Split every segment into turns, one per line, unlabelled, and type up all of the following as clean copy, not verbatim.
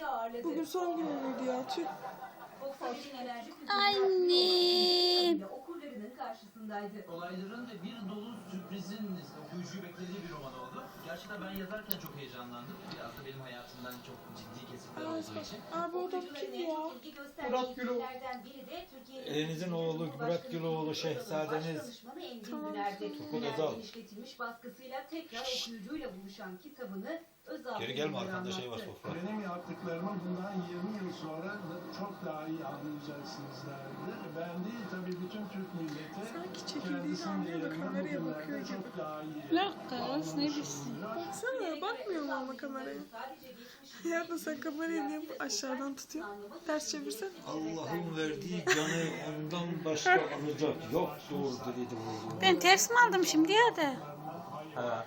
vekilleri ağırladı.
Bugün son günüydü ya. Tüh.
Volkswagen Enerji
Anne.
okurlarının karşısındaydı.
Olayların ve bir dolu sürprizin okuyucuyu beklediği bir roman oldu. Gerçekten ben yazarken çok heyecanlandım. Biraz da benim hayatımdan çok ciddi kesitler olduğu için.
Abi o da kim ya?
Murat Güloğlu.
Elinizin oğlu Murat Güloğlu, Şehzadeniz
Turgut Özal. Genişletilmiş baskısıyla tekrar okuyucuyla buluşan kitabını Özal.
Geri gelme, arkanda şey var, sofra.
Benim yaptıklarımı bundan 20 yıl sonra çok daha iyi anlayacaksınız derdi. Ben değil tabii bütün Türk milleti
Sanki çekildiğini anlıyor da kameraya bakıyor gibi.
çok daha iyi.
La kız ne bilsin.
Baksana bakmıyor mu ama kameraya? Ya da sen kamerayı niye aşağıdan tutuyorsun? Ters çevirsen.
Allah'ın verdiği canı ondan başka alacak yoktur dedi bu.
Ben ters mi aldım şimdi ya da?
Ha.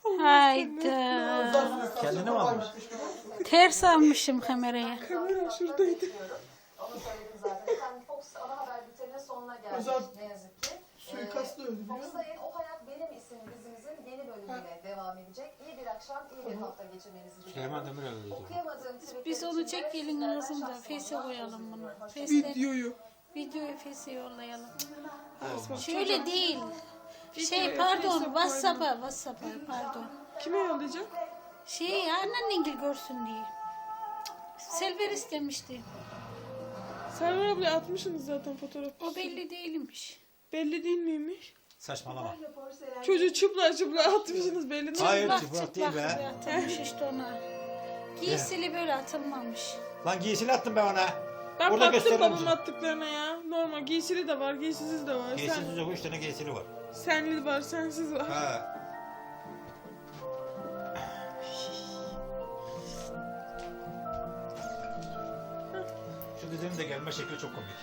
Hayda.
Kendine mi almış?
Ters almışım kameraya.
Kamera şuradaydı.
Onu söyledim zaten. Efendim Fox ana haber bülteninin sonuna geldik ne yazık ki.
Suikastla öldü biliyor musun?
Fox'ta yeni O Hayat Benim isimli dizimizin yeni bölümüyle devam edecek. İyi bir akşam, iyi bir hafta geçirmenizi diliyorum.
Süleyman Demirel dedi.
Okuyamadığım tweetler
Biz onu
için de
çek gelin
sizlerden
ağzında.
şahsen
Face'e
Allah
koyalım
razı
bunu.
olsun.
Face'e,
Videoyu.
videoyu Face'e yollayalım.
Asma,
Şöyle
çocuğa-
değil.
Videoyu
Pardon
Face'e
WhatsApp'a pardon.
Kime yollayacak?
Annennengil görsün diye. Selver istemişti.
Server abla atmışsınız zaten fotoğrafı.
O belli değilmiş.
Belli değil miymiş?
Saçmalama.
Çocuğu çıplak atmışsınız belli değil.
Hayır,
Bak
çıplak değil be.
atılmış işte ona. Giysili böyle atılmamış.
Lan giysili attım ben ona.
Ben
Burada
baktım
gösteririm
babamın
size.
attıklarına ya. Normal giysili de var, giysisiz de var.
Giysisiz yok, 3 tane giysili var.
Senli var, sensiz var.
Ha. Şu dizinin de gelme şekli çok komik.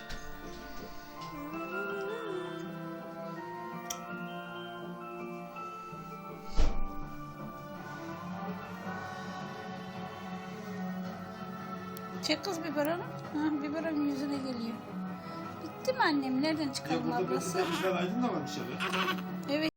Çek kız biberonu. Ha, biberon yüzüne geliyor. Bitti mi annem? Nereden çıkalım ablası?
Ben aydın da varmış ya.
Evet.